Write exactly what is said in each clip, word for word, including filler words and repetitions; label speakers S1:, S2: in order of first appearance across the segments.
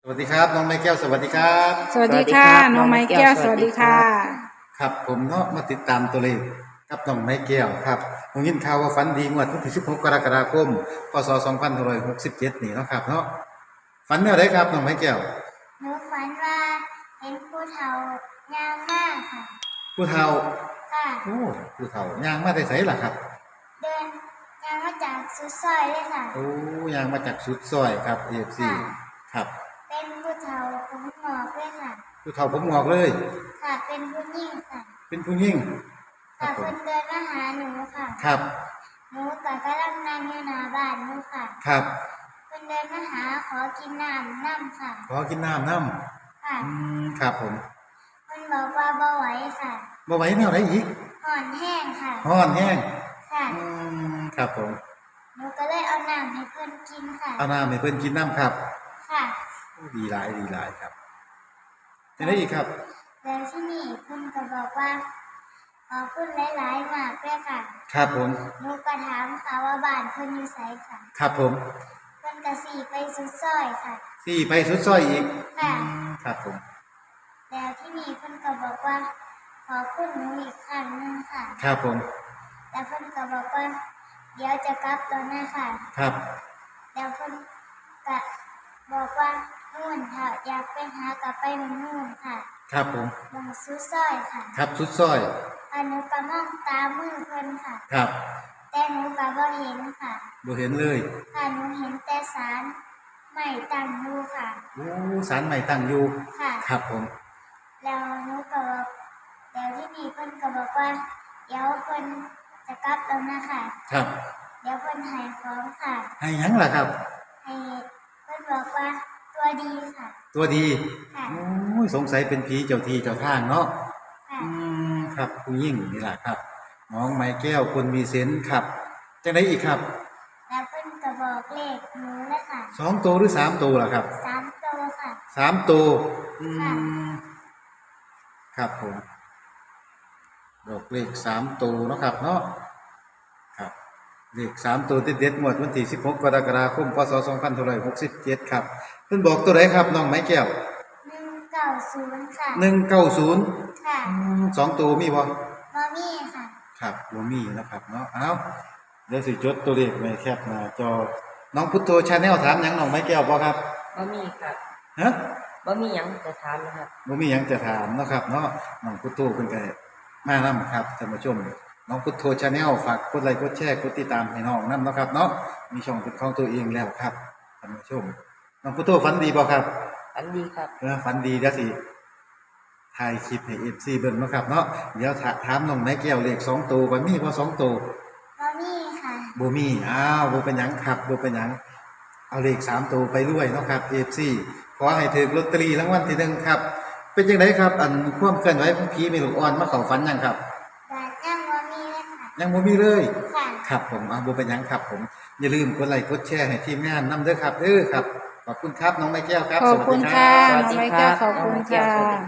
S1: วัสดีครับน้องไม้แก้วสวัสดีครับ
S2: สวัสดีค่ะน้องไม้แก้วสวัสดีค่ะ
S1: ครับผมเนาะมาติดตามตัวเลขกับน้องไม้แก้วครับผมยินข่าวว่าฝันดีงวดวันที่สิบหกกรกฎาคมพศสองพันห้าร้อยหกสิบเจ็ดนี่เนาะครับเนาะฝันแนวไหนครับน้องไม้แก้ว
S3: หนูฝันว่าเห็นผู้เฒ่ายางมากค่ะ
S1: ผู้เฒ่า
S3: ค่ะ
S1: โอ้ผู้เฒ่ายางมาได้ไสล่ะครับ
S3: เดินยางมาจากสุดซอยเลยค่ะ
S1: โอ้ยางมาจากสุดซอยครับ เอ เอฟ ซี ครับ
S3: เป็นผู้เฒ่าผมหงอกเลยค่ะ
S1: ผู้เฒ่าผมงอกเลย
S3: ค่ะเป็นผู้หญิงค่ะ
S1: เป็นผู้หญิง
S3: ค่ะคนเดินมาหาหนูค่ะ
S1: ครับ
S3: หนูกับกำลังนั่งอยู่หน้าบ้านหนูค่ะ
S1: ครับ
S3: คนเดินมาหาขอกินน้ำน้ำค่ะ
S1: ขอกินน้ำน้ำ
S3: ค่ะ
S1: อืมครับผม
S3: คนบอกว่าบ่ไหวค่ะ
S1: บ่ไหวแนวไหนอีก
S3: ห่อนแห้งค่ะ
S1: ห่อนแห้ง
S3: ค่ะ
S1: อืมครับผม
S3: หนูก็เลยเอาน้ำให้เพื่อนกินค่ะ
S1: เอาน้ำให้เพื่อนกินน้ำครับ
S3: ค่ะ
S1: ดีหลายดีหลายครับจะได้อีกครับ
S3: แล้วที่นี่เพื่อนก็บอกว่าขอบคุณหลายๆมากเลยค่ะ
S1: ครับผม
S3: หนูก็ถามค่ะว่าบ้านเพื่อนอยู่ไสค่ะ
S1: ครับผม
S3: เพื่อนก็สี่ไปสุดซอยค่ะ
S1: สี่ไปสุดซอยอีก
S3: ค่ะ
S1: ครับผม
S3: แล้วที่นี่เพื่อนก็บอกว่าขอบคุณหนูอีกครั้งนึงค่ะ
S1: ครับผม
S3: แล้วเพื่อนก็บอกว่าเดี๋ยวจะกลับแล้วนะค่ะ
S1: ครับ
S3: แล้วเพื่อนก็บอกว่านู่นค่ะอยากไปหากลับไปเมืองนู่นค่ะ
S1: ครับผม
S3: เมืองสุดซอยค่ะ
S1: ครับสุดซอย
S3: อันหนูก็มองตามมือเพื่อนค่ะ
S1: ครับ
S3: แต่หนูก็บ่เห็นค่ะ
S1: บ่เห็นเลย
S3: ค่ะหนูเห็นแต่ศาลใหม่ตั้งอยู่ค่ะ
S1: โอ้ศาลใหม่ตั้งอยู่
S3: ค่ะ
S1: ครับผม
S3: แล้วหนูก็บอกแล้วที่นี่เพิ่นก็บอกว่าเดี๋ยวเพิ่นจะกลับแล้วนะคะ
S1: ครับ
S3: เดี๋ยวเพิ่นให้ของค่ะ
S1: ให้หยังล่ะครับ
S3: ให้เพิ่นบอกว่าตัวดีค่ะ
S1: ตัวดี
S3: ค่ะ
S1: โอ้ยสงสัยเป็นผีเจ้าที่เจ้าทางเนาะ
S3: ค่ะ
S1: อืมครับผู้หญิงนี่ล่ะครับน้องไม้แก้วคนมีเซนส์ครับจังได๋อีกครับ
S3: แล้วเพิ่นก็บอกเลขหนูเลยค่ะ
S1: สองตัวหรือสามตัวล่ะครับ
S3: สามตัวค่ะ
S1: สามตัวอืมครับผมบอกเลขสามตัวเนาะครับเนาะครับเลขสามตัวเด็ดๆหมดวันที่สิบหกกรกฎาคมพศสองพันห้าร้อยหกสิบเจ็ดครับเพิ่นบอกตัวไหนครับน้องไม้แก้ว
S3: หนึ่งเก้าศูนย์ค่ะ
S1: หนึ่งเก้าศูนย์
S3: ค่ะ
S1: สองตัวมีบ่
S3: บ่มีค่ะ
S1: ครับบ่มีนะครับเนาะเอ้าเดี๋ยวสิจดตัวเลขไว้แคปหน้าจอน้องพุทโธชาแนลถามหยังน้องไม้แก้วบ่ครับ
S2: บ่มีครับ
S1: ฮะ
S2: บ่มีหยังจะถามนะครับ
S1: บ่มีหยังจะถามเนาะครับเนาะน้องพุทโธเพิ่นก็มานำครับท่านผู้ชมน้องพุทโธชาแนลฝากกดไลค์กดแชร์กดติดตามให้น้องนำเนาะครับเนาะมีช่องเป็นของตัวเองแล้วครับท่านผู้ชมน้องพุทโธฝันดีบ่ครับ
S2: ฝันดีครับ
S1: เออฝันดีเดี๋ยวสิถ่ายคลิปให้ เอฟ ซี เบิ่งเนาะครับเนาะเดี๋ยวถามน้องไม้แก้วเลขสองตัวว่ามีบ่สองตัว
S3: บ่มีค่ะ
S1: บ่มีอ้าวบ่เป็นหยังครับบ่เป็นหยังเอาเลขสามตัวไปรวยเนาะครับ เอฟ ซี ขอให้ถูกลอตเตอรี่รางวัลที่หนึ่งครับเป็นจังไดครับอันความเคลื่อนไหวของผีแม่ลูกอ่อนมาเข้าฝันยังครับ
S3: ยังบ่มีเลยค่ะ
S1: ยังบ่มีเลย
S3: ค่ะ
S1: ครับผมอ่าบ่เป็นหยังครับผมอย่าลืมกดไลค์กดแชร์ให้ทีมงานนำเด้อครับเด้อครับขอบคุณครับน้องไม้แก้วครับ
S2: ขอบคุณค่ะน้องไม้แก้วขอบคุณค่ะ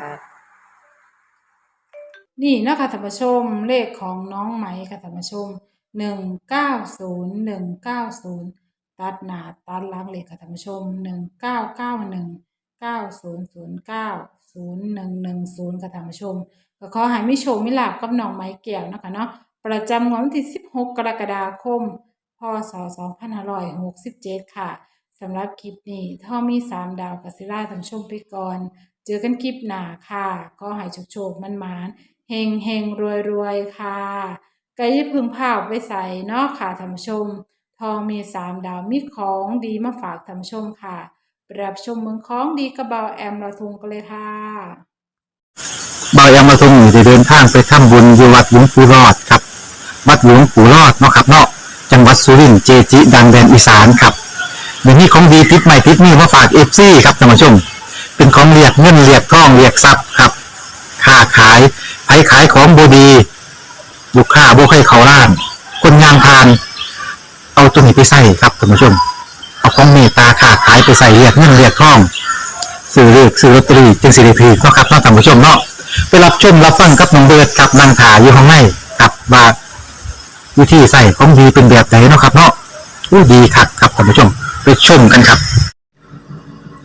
S2: นี่นะคะท่านผู้ชมเลขของน้องไหมค่ะท่านผู้ชมหนึ่งเก้าศูนย์หนึ่งเก้าศูนย์ตัดหน้าตัดหลังเลขค่ะท่านผู้ชมหนึ่งเก้าเก้าหนึ่งเก้าศูนย์ศูนย์เก้าศูนย์หนึ่งหนึ่งศูนย์ค่ะท่านผู้ชมก็ขอให้มิโชคมิลาภกับน้องไม้แก้วนะคะเนาะประจำวันที่สิบหกกรกฎาคมพศสองพันห้าร้อยหกสิบเจ็ดค่ะสำหรับคลิปนี้ถ้ามีสามดาวกัสิล่าท่านผู้ชมไปก่อนเจอกันคลิปหน้าค่ะก็ให้โชคโชคมันมานเฮงเฮงรวยรวยค่ะก็อย่าพึ่งพาไปใส่เนาะค่ะท่านผู้ชมทองมีสามดาวมีของดีมาฝากท่านผู้ชมค่ะรับชมเมืองของดีกระเบาแอมเราทุงกันเลยค่ะ
S4: บายามาทรงอยู่ได้เดินทางไปทำบุญที่วัดหลวงปู่รอดครับวัดหลวงปู่รอดเนาะครับเนาะจังหวัดสุรินทร์เจจิดังแดนอีสานครับเดี๋ยวนี้ของดีติดใหม่ติดนี่มาฝากเอฟซีครับท่านผู้ชมเป็นของเรียกเงินเรียกทองเรียกทรัพย์ครับค้าขายไผขายของบดีลูกค้าบ่ให้เขาล้านคนงานพานเอาตัวนี้ไปใส่ครับท่านผู้ชมเอาของเมตตาค้าขายไปใส่เรียกเงินเรียกทองซื้อเลขซื้อลอตเตอรี่จึงสิริพีเนาะครับเนาะท่านผู้ชมเนาะไปรับชมรับฟังกับน้องเบิร์ดกับนางถาอยู่ข้างในกับว่าวิธีใส่ของดีเป็นแบบไหนเนาะครับเนาะอู้ดีคักครับท่านผู้ชมไปชมกันครับ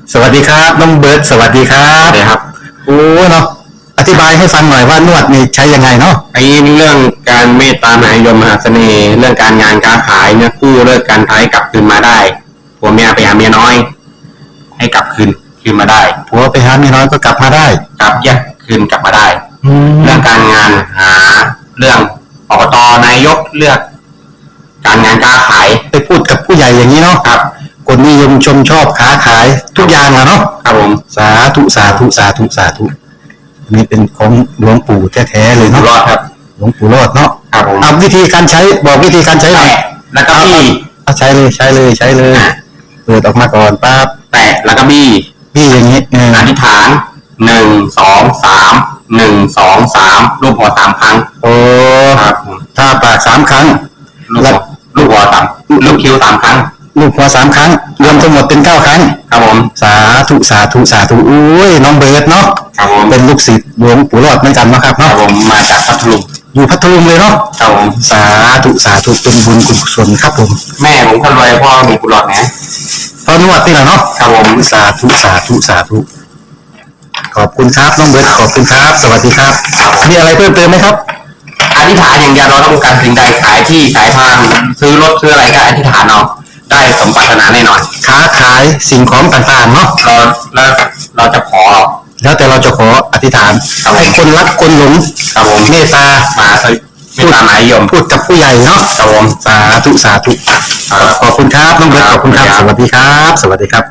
S4: สวัสดีครับน้องเบิร์ดสวัสดีครับสวัสดีครับโอ้เนาะอธิบายให้ฟังหน่อยว่านวดนี่ใช้ยังไงเนาะ
S5: ไอ้เรื่องการเมตตามหานิยมมหาเสน่ห์เรื่องการงานการขายเนี่ยคู่เลิกการท้ายกลับคืนมาได้ผัวเมียไปหาเมียน้อย ให้กลับคืนคืนมาได้
S4: ผัวไปหาเมียน้อยก็กลับมาได้
S5: กลับแยกคืนกลับมาได้
S4: แล้
S5: เรื่
S4: ว
S5: องการงานหาเรื่องอบตนายกเลือก การงานการขาย
S4: ไปพูดกับผู้ใหญ่อย่างนี้เนาะ
S5: ครับ
S4: คนนิยมชมชอบค้าขายทุกอย่างอะเนาะ
S5: ครับผม
S4: สาธุสาธุสาธุสาธุอันนี้เป็นของหลวงปู่แท้ๆเลย
S5: อยู่
S4: เนาะ
S5: รอดครับ
S4: หลวงปู่รอดเนาะ
S5: ครับผม
S4: เอาวิธีการใช้บอกวิธีการใช้หน่อย
S5: แตะแล้วก็บี้
S4: เอาใช้เลยใช้เลยใช้เลยเปิดออกมาก่อนปั๊บ
S5: แตะแล้วก็บี้
S4: พี่อย่างนี้เออ
S5: อธิษฐานหนึ่งสองสามหนึ่งสองสามรูปหัวสามครั้ง
S4: โอ้
S5: ครับผม
S4: ถ้าปากสามครั้ง
S5: ลูกหัวลูกหัวสามลูกคิ้วสามครั้ง
S4: ลูกหัวสามครั้ง รวมทั้งหมดเป็นเก้าครั้ง
S5: ครับผม
S4: สาธุสาธุสาธุอุ้ยน้องเบิร์ดเนาะ
S5: ครับผม
S4: เป็นลูกศิษย์หลวงปู่รอดเหมือนกันนะครับ
S5: ครับ
S4: เนาะ
S5: ผมมาจากพัทลุง
S4: อยู่พัทลุงเลยเนาะ
S5: ครับผม
S4: สาธุสาธุเป็นบุญกุศลครับผม
S5: แม่ผมคนรวยพ่อมีกุหลาบนะ
S4: ตอนนวดนี่แหละเนาะ
S5: ครับผม
S4: สาธุสาธุสาธุขอบคุณครับน้องเบิร์ดขอบคุณครับ สวัสดีครับมีอะไรเพิ่มเติมไหมครับ
S5: อธิษฐานอย่างเดียวเราต้องการสิ่งใดขายที่ขายทางซื้อรถซื้ออะไรก็อธิษฐานเอาได้สมปรารถนาแน่นอน
S4: ค้าขายสิ่งของต่างๆเนาะ
S5: เราแล้วเราจะขอ
S4: แล้วแต่เราจะขออธิษฐานให้คนรักคนหลง
S5: ครับผม
S4: เมตตา
S5: มาเถอะไม่ตามหมายยม
S4: พูดกับผู้ใหญ่เนาะ
S5: ครับผม
S4: สาธุสาธุขอบคุณครับน้องเบิร์ตขอบคุณครับ สวัสดีครับ สวัสดีครับ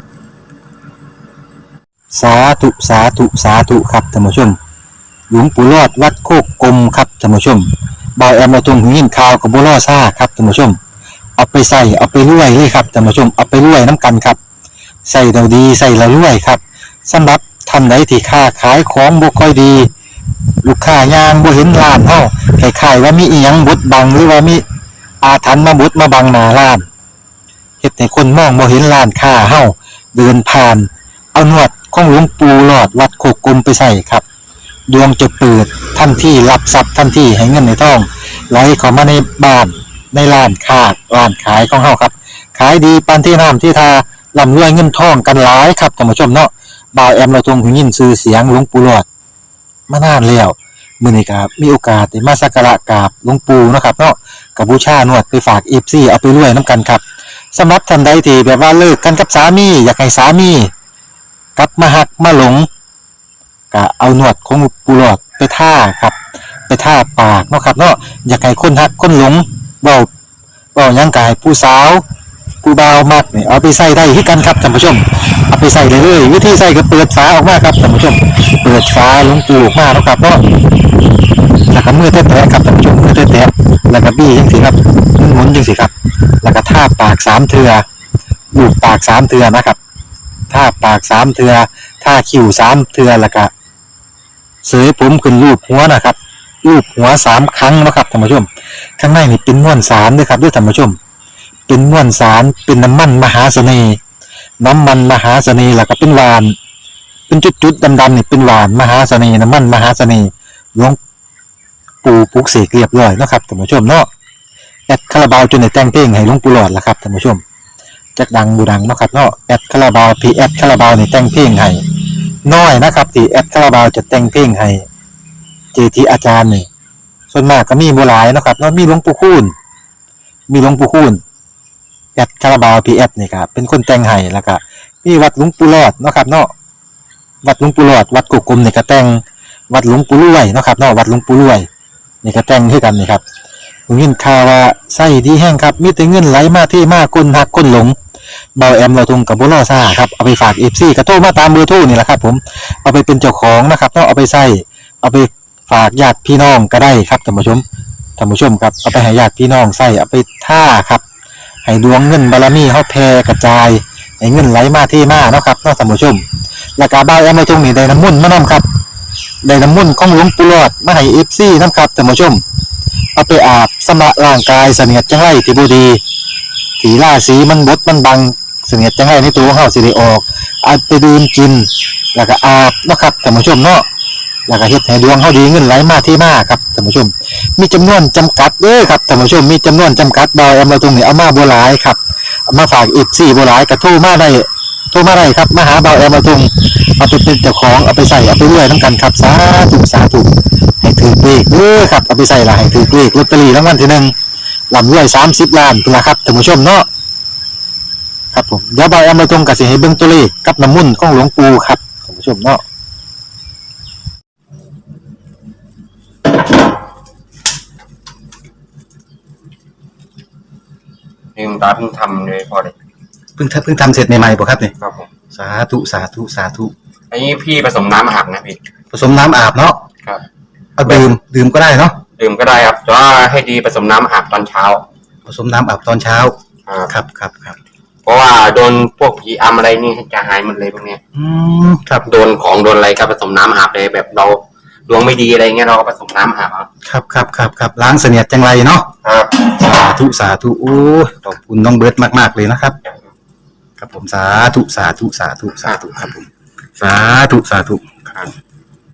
S4: สาธุสาธุสาธุครับท่านผู้ชม หลวงปู่รอดวัดโคกกลมครับท่านผู้ชมบอยแอมมาตรงหูยินข่าวกับบัวล่อซ่าครับท่านผู้ชม เอาไปใส่เอาไปรวยเลยครับท่านผู้ชมเอาไปรวยน้ำกันครับใส่เราดีใส่เรารวยครับสำหรับท่านใดที่ค้าขายของบ่ค่อยดี ลูกค้ายางบ่เห็นร้านเฮาคล้ายๆว่ามีอีหยังบดบังหรือว่ามีอาถรรพ์มาบดมาบังหน้าร้านเฮ็ดให้คนมองบ่เห็นร้านค้าเฮาเดินผ่าน เอาหนวดของหลวงปู่หลอดวัดโคกกลมไปใส่ครับดวงจะเปิดทันทีรับทรัพย์ทันทีให้เงินในท้องไหลเข้ามาในบ้านในร้านค้าร้านขายของเฮาครับขายดีปานที่น้ำที่ทาร่ำรวยเงินทองกันหลายครับท่านผู้ชมเนาะบ่าวแอมเราทรงหูยินชื่อเสียงหลวงปู่หลอดมานานแล้วมื้อนี้ครับมีโอกาสได้มาสักการะกราบหลวงปู่เนาะครับเนาะกับบูชาหนวดไปฝาก เอฟ ซี เอาไปรวยนํกันครับสำหรับท่านใดที่แบบว่าเลิกกันกับสามีอยากให้สามีกลับมาหักมาหลงก็เอาหนวดของปูหลอดไปท่าครับไปท่าปากเนาะครับเนาะอยากให้คนหักคนหลงเว้าเว้าหยังกายผู้สาวผู้บ่าวมักนี่เอาไปใส่ได้คือกันครับท่านผู้ชมเอาไปใส่เลยเลยวิธีใส่ก็เปิดฝาออกมาครับท่านผู้ชมเปิดฝาหลวงปูออกมาเนาะครับเนาะแล้วก็มือแตะๆครับท่านผู้ชมมือแตะๆแล้วก็บี้จังซี่ครับหมุนๆจังซี่ครับแล้วก็ท่าปากสามเทื่อลูบปากสามเทื่อนะครับท่าปากสามเทื่อท่าคิ้วสามเทื่อแล้วก็เสยผมขึ้นรูปหัวนะครับรูปหัวสามครั้งนะครับท่านผู้ชมข้างในนี่เป็นม้วนสารด้วยครับด้วยท่านผู้ชมเป็นม้วนสารเป็นน้ำมันมหาเสน่ห์น้ำมันมหาเสน่ห์แล้วก็เป็นหวานเป็นจุดๆดำๆนี่เป็นหวานมหาเสน่ห์น้ำมันมหาเสน่ห์หลวงปู่ปลุกเสกเรียบร้อยนะครับท่านผู้ชมเนาะแอดคาราบาวจนในแต่งเพลงให้หลวงปู่หลอดละครับท่านผู้ชมจักดังบูดังเนาะครับเนาะแอดคาราบาวพีแอดคาราบาวในแต่งเพลงให้น้อยนะครับที่แอดคาราบาวจะแต่งเพลงให้เจทีอาจารย์นี่ส่วนมากก็มีบ่หลายเนาะครับเนาะมีหลวงปู่คูณมีหลวงปู่คูณแอดคาราบาวพีแอดนี่ครับเป็นคนแต่งให้แล้วก็มีวัดหลวงปู่หลอดเนาะครับเนาะวัดหลวงปู่หลอดวัดกุกกลมนี่ก็แต่งวัดหลวงปู่รวยเนาะครับเนาะวัดหลวงปู่รวยนี่ก็แต่งให้กันนี่ครับผมยินข่าวว่าไส้ดีแห้งครับมีแต่เงินไหลมาที่มาคนหักคนหลงเบาแอมเราทงกับบุรอซ่าครับเอาไปฝากเอฟซีกระโทรมาตามเบอร์โทรนี่แหละครับผมเอาไปเป็นเจ้าของนะครับต้องเอาไปใส่เอาไปฝากญาติพี่น้องก็ได้ครับท่านผู้ชมท่านผู้ชมครับเอาไปให้ญาติพี่น้องใส่เอาไปท่าครับให้ดวงเงินบารมีเขาแผ่กระจายให้เงินไหลมาที่มาเนาะครับเนาะท่านผู้ชมแล้วก็เบาแอมเราทงนี่ได้น้ำมุ่นต์มานํครับได้น้ำมุ่นต์ของหลวงปู่หลอดมาให้เอฟซีนํครับท่านผู้ชมเอาไปอาบสำระร่างกายเสนียดจังไรที่บ่ดีสีล่าสีมันบดมันบังเสนียดจังไรในตัวของเฮาสิได้ออกเอาไปดื่มกินแล้วก็อาบเนาะครับท่านผู้ชมเนาะแล้วก็เฮ็ดให้ดวงเฮาดีเงินไหลมาที่มาครับท่านผู้ชมมีจำนวนจำกัดเด้อครับท่านผู้ชมมีจำนวนจำกัดบ่เอามาตรงนี้เอามาบ่หลายครับเอามาฝาก เอฟ ซี บ่หลายก็โทรมาได้โทรมาได้ครับมาหาเบาแอมมาตรงเอาไปเป็นเจ้าของเอาไปใส่เอาไปเรื่อยน้ำกันครับสาธุสาธุให้ถือเลขเด้อครับเอาไปใส่ละให้ถือเลขลอตเตอรี่รางวัลที่หนึ่งลำรวยสามสิบล้านเป็นละครับท่านผู้ชมเนาะครับผมเดี๋ยวเบาแอมมาตรงกับสิให้เบิ่งตัวเลขกับน้ำมุ่นของหลวงปู่ครับท่านผู้ชมเนาะ
S5: นี่คุณตาเพิ่งทำเลยพอเลย
S4: เพิ่งทำเพิ่งทำเสร็จใหม่ๆป่ะครับเนี่ย
S5: ครับผม
S4: สาธุสาธุสาธุ
S5: อันนี้พี่ผสมน้ำอาบนะพี่
S4: ผสมน้ำอาบเนาะ
S5: ครับ
S4: เอาดื่มดื่มก็ได้เนาะ
S5: ดื่มก็ได้ครับแต่ว่าให้ดีผสมน้ำอาบตอนเช้า
S4: ผสมน้ำอาบตอนเช้า
S5: ครับ
S4: ครับครับครับ
S5: เพราะว่าโดนพวกผีอำอะไรนี่จะหายหมดเลยพวกเนี้ย
S4: อืมครับ
S5: โดนของโดนอะไรก็ผสมน้ำอาบเลยแบบเราดวงไม่ดีอะไรเงี้ยเราก็ผสมน้ำอาบครับ
S4: ครับครับครับครับล้างเสนียดจังไรเนาะ
S5: ครับ
S4: สาธุสาธุโอ้ยขอบคุณน้องเบิร์ตมากๆเลยนะครับ ครับผมสาธุสาธุสาธุสาธุครับผมสาธุสาธุ
S5: ครับ